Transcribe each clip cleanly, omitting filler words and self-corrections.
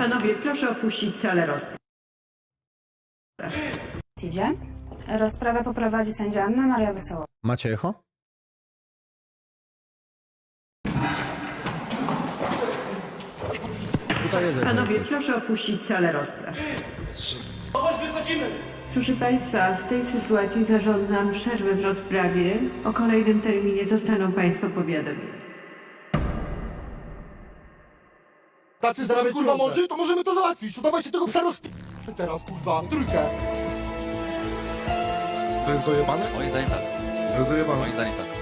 Panowie, proszę opuścić salę rozpraw. Idzie. Rozprawę poprowadzi sędzia Anna Maria Wesoło. Macie echo? Panowie, proszę opuścić salę rozpraw. Proszę Państwa, w tej sytuacji zarządzam przerwę w rozprawie. O kolejnym terminie zostaną Państwo powiadomieni. Tacy zarabiać kurwa mądrzy, to możemy to załatwić. To dawajcie tego psa teraz, kurwa, trójkę. To jest dojebane? Moim zdaniem tak. To jest dojebane. Moim zdaniem tak.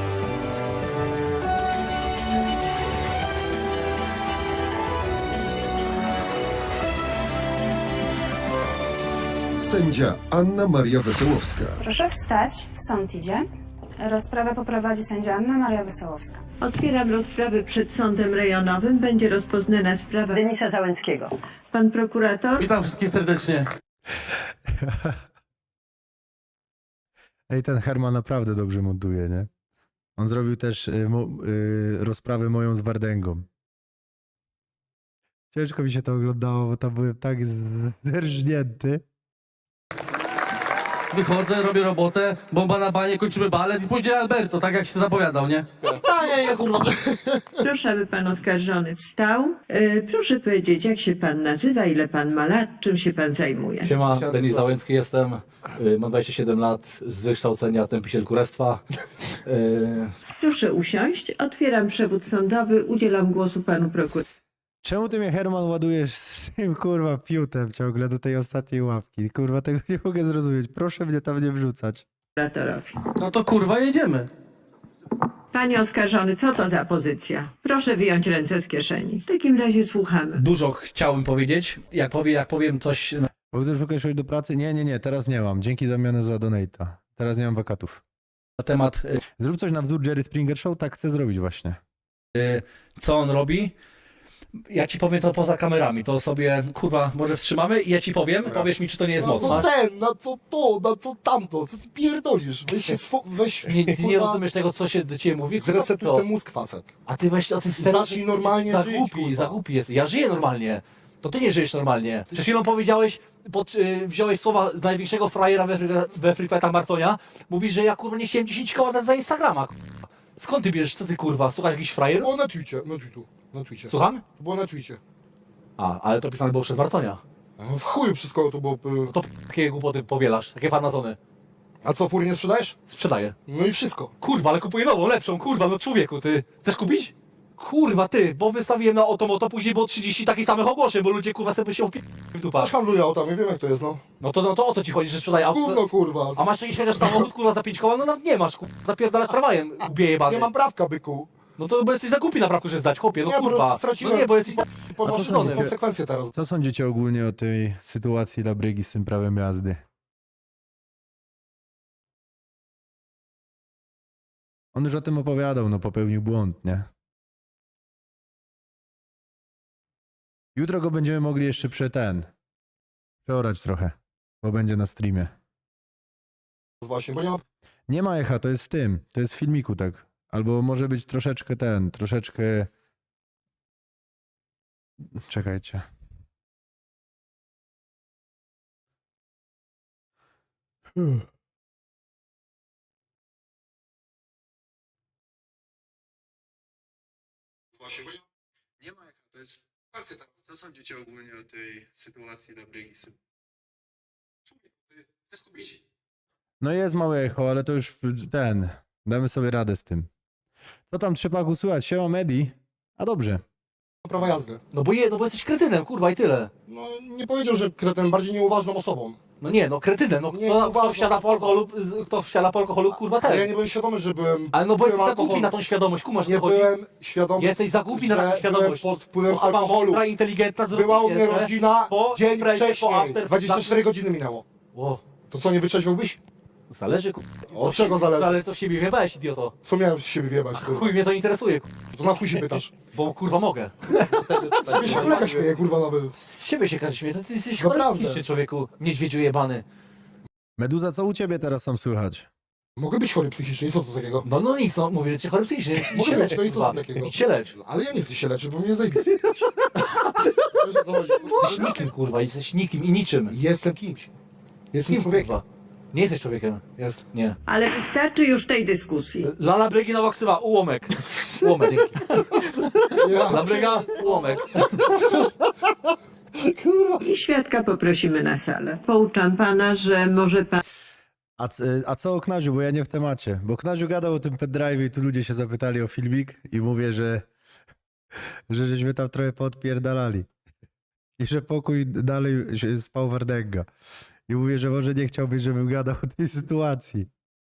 Sędzia Anna Maria Wesołowska. Proszę wstać. Sąd idzie. Rozprawę poprowadzi sędzia Anna Maria Wesołowska. Otwieram rozprawę przed sądem rejonowym. Będzie rozpoznana sprawa Denisa Załęckiego. Pan prokurator? Witam wszystkich serdecznie. Ej, ten Herman naprawdę dobrze montuje, nie? On zrobił też rozprawę moją z Wardęgą. Ciężko mi się to oglądało, bo tam byłem tak zerżnięty. Wychodzę, robię robotę, bomba na banie, kończymy balet i pójdzie Alberto, tak jak się zapowiadał, nie? Nie, kurwa. Proszę, aby Pan oskarżony wstał. Proszę powiedzieć, jak się Pan nazywa, ile Pan ma lat, czym się Pan zajmuje? Siema, Denis Załęcki jestem, mam 27 lat, z wykształcenia tępiciel kurestwa. Proszę usiąść. Otwieram przewód sądowy. Udzielam głosu Panu prokuratorowi. Czemu ty mnie, Herman, ładujesz z tym, kurwa, piutem ciągle do tej ostatniej łapki? Kurwa, tego nie mogę zrozumieć. Proszę mnie tam nie wrzucać. No to kurwa jedziemy. Panie oskarżony, co to za pozycja? Proszę wyjąć ręce z kieszeni. W takim razie słuchamy. Dużo chciałbym powiedzieć, jak powiem coś Bo chcesz szukać do pracy? Nie, teraz nie mam. Dzięki zamianę za donate'a. Teraz nie mam wakatów. na temat, Zrób coś na wzór Jerry Springer Show, tak chcę zrobić właśnie. co on robi. Ja ci powiem to poza kamerami, to sobie, kurwa, może wstrzymamy i ja ci powiem, powiesz mi, czy to nie jest No mocne. co ten, na co to, na co tamto, co ty pierdolisz? Weź się, weź, Nie kurwa, rozumiesz tego, co się do ciebie mówi? zresetuj To- ten mózg, facet. A ty weź o tym Zacznij normalnie za żyć, głupi, kurwa. za głupi jest. Ja żyję normalnie. To ty nie żyjesz normalnie. Przed chwilą powiedziałeś, wziąłeś słowa z największego frajera we Freefightach Marconia. Mówisz, że ja kurwa nie chciałem 10 koła dać za Instagrama. Kurwa. Skąd ty bierzesz? Co ty kurwa? Słuchasz jakiś To frajer? było na Twitcie. Słucham? To było na Twitcie. A, ale to pisane było przez Marconia. W chuju wszystko to było... No to takie głupoty powielasz, takie farmazony. A co, furię nie sprzedajesz? Sprzedaję. No i wszystko. Kurwa, ale kupuję nową, lepszą, kurwa, no człowieku, ty chcesz kupić? Kurwa, ty, bo wystawiłem na Otomoto, później było 30 takich samych ogłoszeń, bo ludzie kurwa sobie się w dupach. Też handluję autami, wiem jak to jest, no. No to o co ci chodzi, że sprzedaję auto? Gówno, kurwa. A masz jakiś chociaż samochód, kurwa, za 5 koła? No nawet nie masz, kurwa, zapierdalasz tramwajem, ubije jebany. Nie mam prawka, byku. No to bo jesteś za głupi na prawku, że zdać, chłopie, no Nie, bo kurwa. straciłem- No nie, bo jesteś Ponoszę Poszczony. konsekwencje teraz. Co sądzicie ogólnie o tej sytuacji Labrygi z tym prawem jazdy? On już o tym opowiadał, no popełnił błąd, nie? Jutro go będziemy mogli jeszcze przeorać trochę, bo będzie na streamie. Właśnie, bo nie mam... Nie ma echa, to jest w tym, to jest w filmiku, tak. Albo może być troszeczkę troszeczkę... Czekajcie. Właśnie, bo nie Nie ma echa, to jest... Co sądzicie ogólnie o tej sytuacji Labrygi? Chcesz kupić? No jest małe echo, ale to już damy sobie radę z tym. Co tam trzeba głosować? Siema Medi? A dobrze. mam prawa jazdy. No bo jesteś kretynem, kurwa, i tyle. No nie powiedział, że kreten, bardziej nieuważną osobą. No nie, no kretynem, no Nie, kto uważam, wsiada po alkoholu, kurwa, Ale ja też. nie byłem świadomy, że byłem... Ale no bo jesteś piłem za głupi alkohol. na tą świadomość, kumasz, Nie co chodzi? byłem świadomy, Jesteś za głupi na że taką świadomość. byłem pod wpływem Bo Alba alkoholu. mądra, inteligentna, Była u mnie zrozumiesz, rodzina po dzień imprezie, po wcześniej. after, 24 godziny minęło. O, To co, nie wytrzeźwiałbyś? zależy, kurwa. Od czego zależy? Ale to z siebie wiebałeś, idioto. Co miałem z siebie wjebać? kurwa? Chuj mnie to interesuje, kurwa, To na chuj się pytasz. bo kurwa mogę. Z siebie się kolega śmieje, kurwa, nawet. Z siebie się każe śmieje, to ty jesteś Naprawdę. chory psychicznie, człowieku, niedźwiedziu jebany. Meduza, co u ciebie teraz tam słychać? Mogę być chory psychicznie, co to takiego? No nic, no mówię, że cię chory psychicznie. Idź Mogę się być, lecz, no i co kurwa. takiego? Idź się lecz. Ale ja nie chcę się leczyć, bo mnie zajebiście. Wiesz, o co chodzi? Jesteś nikim, kurwa, jesteś nikim i niczym. Jestem kimś. Jestem Kim, człowiekiem. kurwa? Nie jesteś człowiekiem. Jest. Nie. Ale wystarczy już tej dyskusji. Lala Bryginowa ksywa, ułomek. Ułomek. Ja. Labryga, ułomek. I świadka poprosimy na salę. Pouczam pana, że może pan A co o Knaziu, bo ja nie w temacie. Bo Knaziu gadał o tym pendrive'ie i tu ludzie się zapytali o filmik i mówię, że żeśmy tam trochę poodpierdalali. I że pokój dalej spał Wardęga. I mówię, że może nie chciałbyś, żebym gadał o tej sytuacji.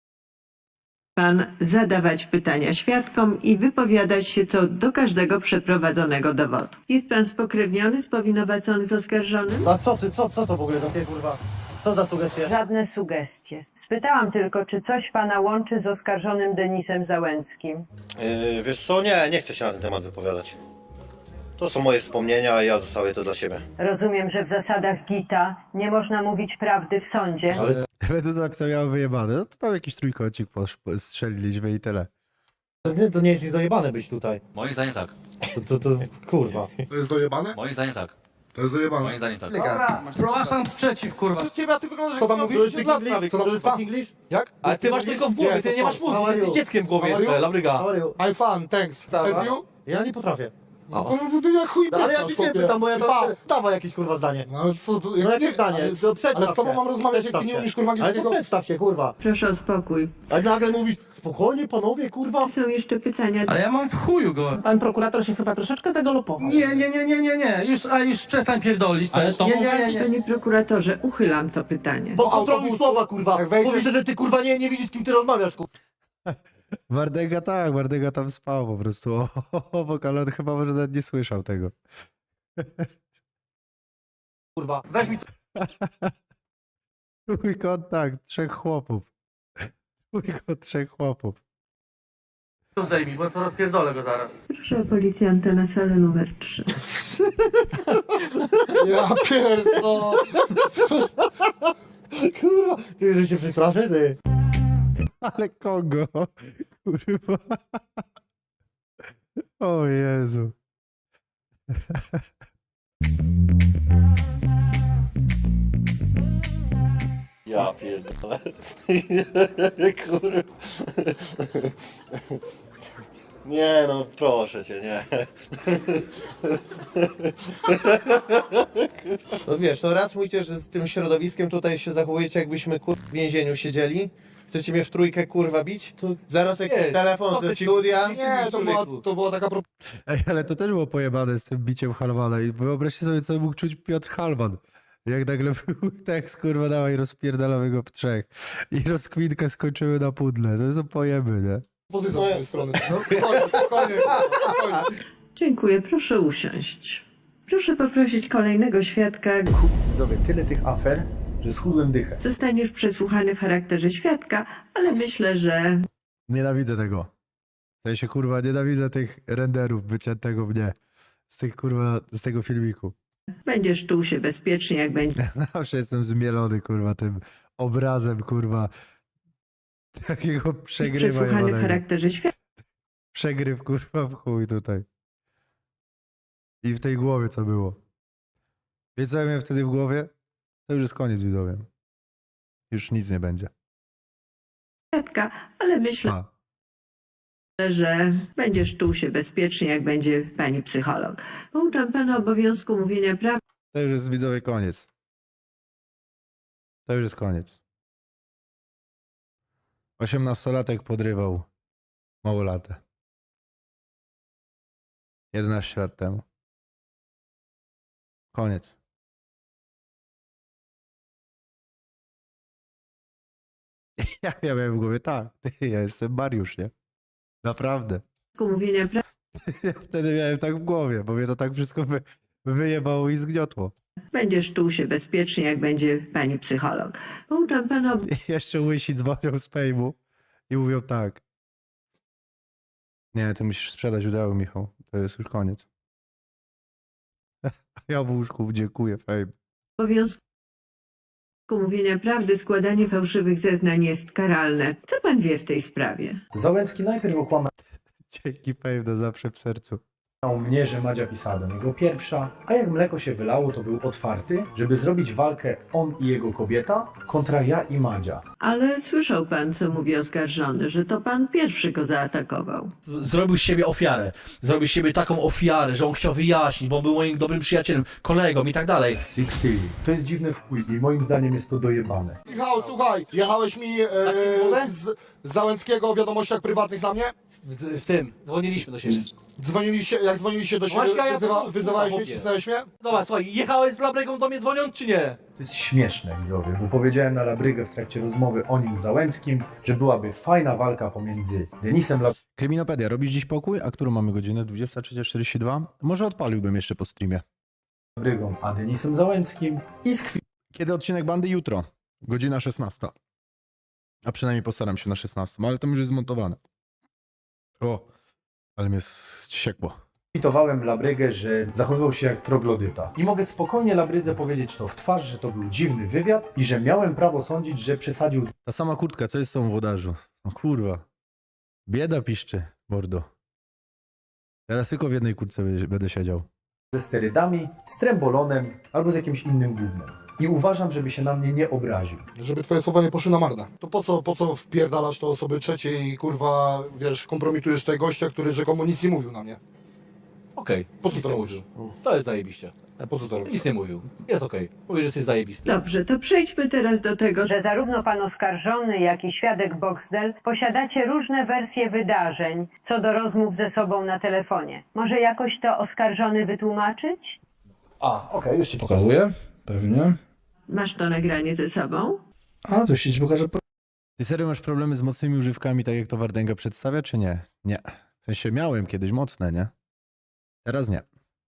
zadawać pytania świadkom i wypowiadać się co do każdego przeprowadzonego dowodu. Jest pan spokrewniony, spowinowacony z oskarżonym? A co ty, co to w ogóle za ty kurwa? Co za sugestie? Żadne sugestie. Spytałam tylko, czy coś pana łączy z oskarżonym Denisem Załęckim. Wiesz co, nie chcę się na ten temat wypowiadać. To są moje wspomnienia, a ja zostawię to dla siebie. Rozumiem, że w zasadach GITA nie można mówić prawdy w sądzie. Ale Będę tak sobie miał wyjebane. No to tam jakiś trójkącik strzeliliśmy i tyle. to nie jest dojebane być tutaj. Moim zdaniem tak. To kurwa. To jest dojebane? Moim zdaniem tak. To jest dojebane. Moim zdaniem tak. Zgłaszam sprzeciw, kurwa. Ciebie, a ty wyglądasz Co tam mówisz? Co tam Speak English? Jak? Ale ty masz tylko w głowie, Yes, ty nie of masz course. mózgu, ty jesteś dzieckiem w głowie How are jeszcze, you? Labryga. How are you? I'm fun, thanks. And you? Ja nie potrafię. No jak chuj No, ale ja się nie pytam, bo ja to... Pa. Dawaj jakieś kurwa zdanie. No ale co, to, No jakie zdanie? To przedstaw ale z tobą się. mam rozmawiać, jak ty Przedstaw nie się. umiesz kurwa Ale to angielskiego. przedstaw się, kurwa. Proszę o spokój. A nagle mówisz, spokojnie panowie, kurwa. Są jeszcze pytania. Ale ja mam w chuju go. Pan prokurator się chyba troszeczkę zagalopował. Nie. Już przestań pierdolić. Ale też. to Nie. Panie prokuratorze, uchylam to pytanie. Kontroluj autobusu. słowa, kurwa. Jak wejdziesz- Mówisz, że ty kurwa nie widzisz, z kim ty rozmawiasz, kurwa. Wardęga tam spał po prostu obok, ale on chyba może nawet nie słyszał tego. Kurwa. Weź mi to. Twój kontakt, 3 chłopów. Twój 3 chłopów. Zdejmij, bo to rozpierdolę go zaraz. Proszę o policjanta na salę numer 3. Ja pierdolę. Kurwa. Ty, że się przestraszę, ty. Ale kogo? Kurwa. O Jezu. Ja pierdolę. Kurwa. Nie no, proszę cię, nie. No wiesz, no raz mówicie, że z tym środowiskiem tutaj się zachowujecie, jakbyśmy w więzieniu siedzieli. Chcecie mnie w trójkę kurwa bić? Zaraz jakiś Nie, telefon co ze ty ci- studia. Nie, to była taka Ej, ale to też było pojebane z tym biciem Halmana i wyobraźcie sobie, co mógł czuć Piotr Halman. Jak nagle był tekst, kurwa, dawaj, rozpierdalamy go w 3. I rozkwinkę skończymy na pudle. To są pojeby, nie? pozycja z mojej strony. No, spokojnie. Dziękuję, proszę usiąść. Proszę poprosić kolejnego świadka. Widzowie, tyle tych afer, że schudłem dychę. Zostaniesz przesłuchany w charakterze świadka, ale myślę, że Nienawidzę tego. W sensie, kurwa, nienawidzę tych renderów wyciętego mnie. Z tych, kurwa, z tego filmiku. będziesz czuł się bezpiecznie, jak będzie Zawsze jestem zmielony, kurwa, tym obrazem, kurwa, takiego przegrywa przesłuchany w jebanego. charakterze świadka. Przegryw, kurwa, w chuj tutaj. I w tej głowie co było. Wiecie, co ja miałem wtedy w głowie? To już jest koniec, widzowie. Już nic nie będzie. Ale myślę, A, że będziesz czuł się bezpiecznie, jak będzie pani psycholog. Pouczam pana obowiązku mówienia prawdy. to już jest, widzowie, koniec. To już jest koniec. 18-latek podrywał małolatę. 11 lat temu. Koniec. Ja miałem w głowie, tak, ja jestem Mariusz, nie? Naprawdę. Mówienia prawdy. Ja wtedy miałem tak w głowie, bo mnie to tak wszystko wyjebało i zgniotło. Będziesz czuł się bezpiecznie, jak będzie pani psycholog. Pouczam pana I jeszcze łysi dzwonią z fejmu i mówią tak. Nie, ty musisz sprzedać udziały, Michał. To jest już koniec. Ja w łóżku dziękuję, fame. obowiązku mówienia prawdy, składanie fałszywych zeznań jest karalne. Co pan wie w tej sprawie? Załęcki najpierw okłamał Dzięki Pejdo, zawsze w sercu. mnie, że Madzia pisała do niego pierwsza, a jak mleko się wylało, to był otwarty, żeby zrobić walkę on i jego kobieta kontra ja i Madzia. Ale słyszał pan, co mówi oskarżony, że to pan pierwszy go zaatakował. Zrobił z siebie ofiarę. Zrobił z siebie taką ofiarę, że on chciał wyjaśnić, bo on był moim dobrym przyjacielem, kolegą i tak dalej. Sixty. To jest dziwny wpływ i moim zdaniem jest to dojebane. Michał, słuchaj, jechałeś mi z Załęckiego o wiadomościach prywatnych na mnie? W tym, dzwoniliśmy do siebie. Jak dzwoniliście do siebie, Właśnie ja to wyzywałeś mnie, mówię. cisnąłeś mnie? Dobra, słuchaj, jechałeś z Labrygą do mnie dzwoniąc, czy nie? To jest śmieszne, widzowie, bo powiedziałem na Labrygę w trakcie rozmowy o nim z Załęckim, że byłaby fajna walka pomiędzy Denisem Kryminopedia, robisz dziś pokój? A którą mamy godzinę? 23:42? Może odpaliłbym jeszcze po streamie. Labrygą, a Denisem Załęckim i z Kiedy odcinek bandy? Jutro. Godzina 16. A przynajmniej postaram się na 16, ale to już jest zmontowane. O, ale mnie ściekło. kwitowałem Labrygę, że zachowywał się jak troglodyta. I mogę spokojnie Labrydze powiedzieć to w twarz, że to był dziwny wywiad i że miałem prawo sądzić, że przesadził Ta sama kurtka, co jest z tą włodarzu? No kurwa. Bieda piszczy, mordo. Teraz tylko w jednej kurtce będę siedział. ze sterydami, z trembolonem albo z jakimś innym gównem. I uważam, żeby się na mnie nie obraził. Żeby twoje słowa nie poszły na marne. To po co wpierdalasz to osoby trzeciej i kurwa, wiesz, kompromitujesz tego gościa, który rzekomo nic nie mówił na mnie? Okej. Po co Nic to nie robisz? mówił. To jest zajebiście. Po co to robisz? Nic nie mówił. Jest okej. Mówię, że jesteś zajebisty. Dobrze, to przejdźmy teraz do tego, że Że zarówno pan oskarżony, jak i świadek Boxdel posiadacie różne wersje wydarzeń co do rozmów ze sobą na telefonie. Może jakoś to oskarżony wytłumaczyć? Okej, już ci pokazuję. Pewnie. masz to nagranie ze sobą. A, to się ci pokażę. Ty serio masz problemy z mocnymi używkami, tak jak to Wardęga przedstawia, czy nie? Nie. W sensie miałem kiedyś mocne, nie? Teraz nie.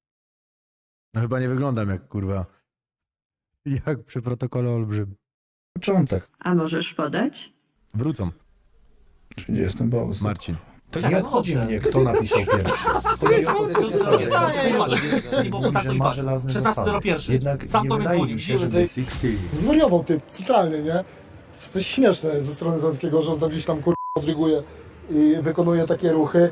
No chyba nie wyglądam jak kurwa. Jak przy protokole olbrzym. Początek. A możesz podać? Wrócą. Gdzie jestem Box? Marcin. To nie obchodzi mnie, kto napisał pierwszy. To nie mówi, że ma żelazne zasady. Jednak Sam nie do mnie wydaje dzwonił. mi się, że był Sixty. Zwariował typ, centralnie, nie? To jest też śmieszne ze strony Załęckiego, że on tam gdzieś tam kurwa odryguje i wykonuje takie ruchy.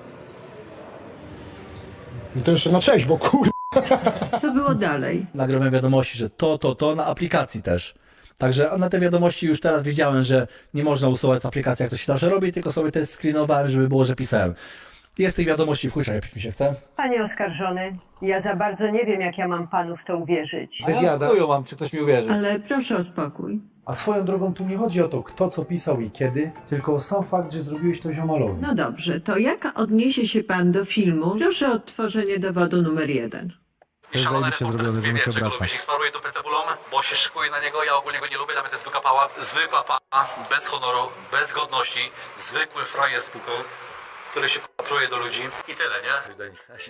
I to jeszcze na trzeźwo, kurwa. Co było dalej? Nagrałem wiadomości, że to na aplikacji też. Także na te wiadomości już teraz wiedziałem, że nie można usuwać z aplikacji, jak to się zawsze robi, tylko sobie też screenowałem, żeby było, że pisałem. Jest tych wiadomości w chuj, jak mi się chce. Panie oskarżony, ja za bardzo nie wiem, jak ja mam panu w to uwierzyć. Chuju mam, czy ktoś mi uwierzy. Ale proszę o spokój. A swoją drogą tu nie chodzi o to, kto co pisał i kiedy, tylko o sam fakt, że zrobiłeś to ziomalowi. No dobrze, to jak odniesie się pan do filmu? Proszę o odtworzenie dowodu numer 1. To jest zajebiście zrobione, że mi się obraca. ich smaruje dupę cebulą, bo się szykuje na niego, ja ogólnie go nie lubię, dla mnie to jest zwykła pała, bez honoru, bez godności, zwykły frajer z puką, który się pruje do ludzi i tyle, nie?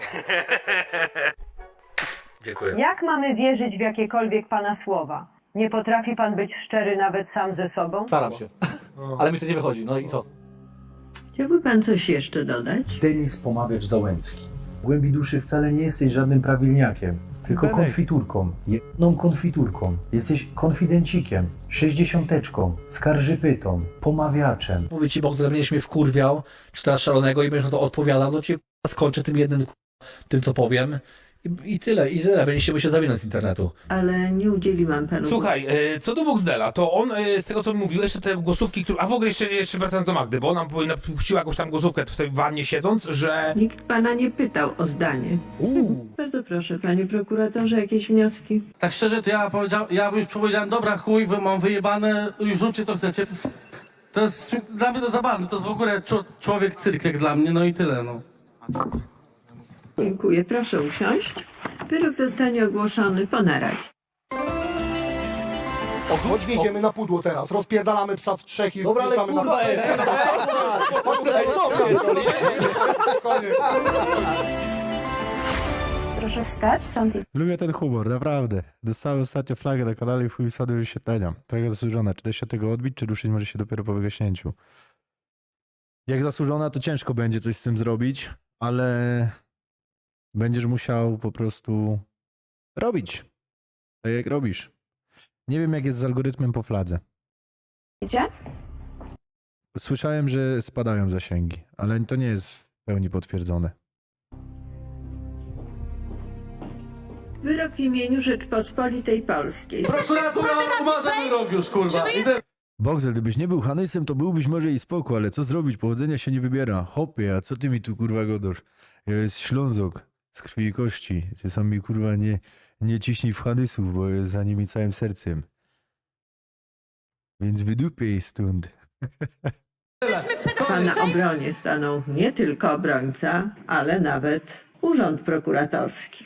Dziękuję. Jak mamy wierzyć w jakiekolwiek pana słowa? Nie potrafi pan być szczery nawet sam ze sobą? Staram się. Ale mi to nie wychodzi, no i co? Chciałby pan coś jeszcze dodać? Denis Pomawiacz Załęcki. W głębi duszy wcale nie jesteś żadnym prawilniakiem, tylko Benek. konfiturką. Jedną konfiturką. Jesteś konfidencikiem, 60-teczką, skarżypytą, pomawiaczem. Mówię ci, Box, że będziesz mnie wkurwiał, czy teraz szalonego i będziesz na to odpowiadał, to cię skończę tym jednym tym, co powiem. I tyle. Będziecie się zawinąć z internetu. Ale nie udzieliłam panu... Słuchaj, co do Boxdela, to on, z tego co mówiłeś, to te głosówki, które... A w ogóle jeszcze wracając do Magdy, bo ona puściła jakąś tam głosówkę w tej wannie siedząc, że... Nikt pana nie pytał o zdanie. Bardzo proszę, panie prokuratorze, jakieś wnioski? Tak szczerze, to ja już powiedziałem, dobra chuj, mam wyjebane, już róbcie co chcecie. To jest, dla mnie to zabawne, to jest w ogóle człowiek cyrk jak dla mnie, no i tyle, no. Dziękuję, proszę usiąść. Wyrok zostanie ogłoszony po naradzie. Chodź, wjedziemy na pudło teraz, rozpierdalamy psa w trzech i Dobra, ale wjeżdżamy kurwa, Proszę wstać, sąd Lubię ten humor, naprawdę. Dostałem ostatnio flagę na kanale i chuj wsady wyświetlenia. Trochę zasłużona. Czy da się tego odbić, czy ruszyć może się dopiero po wygaśnięciu? Jak zasłużona, to ciężko będzie coś z tym zrobić, ale będziesz musiał po prostu robić. Tak jak robisz. Nie wiem, jak jest z algorytmem po fladze. idzie. Słyszałem, że spadają zasięgi, ale to nie jest w pełni potwierdzone. Wyrok w imieniu Rzeczpospolitej Polskiej. Prokuratura uważa wyrok już, kurwa. Boxel, gdybyś nie był Hanysem, to byłbyś może i spoko, ale co zrobić? Powodzenia się nie wybiera. Hopie, a co ty mi tu kurwa godasz? Ja jest Ślązok z krwi i kości. Ty sam mi kurwa nie ciśnij w Hanysów, bo jest za nimi całym sercem. Więc wydupiej stąd. A na obronie stanął nie tylko obrońca, ale nawet urząd prokuratorski.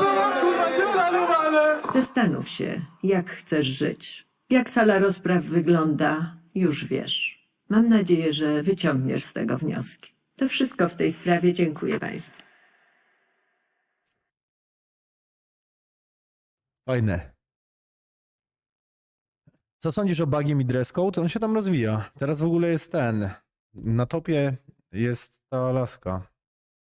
Zastanów się, jak chcesz żyć. Jak sala rozpraw wygląda, już wiesz. Mam nadzieję, że wyciągniesz z tego wnioski. To wszystko w tej sprawie. Dziękuję Państwu. Fajne. Co sądzisz o bugiem i dress code? On się tam rozwija. Teraz w ogóle jest ten. Na topie jest ta laska.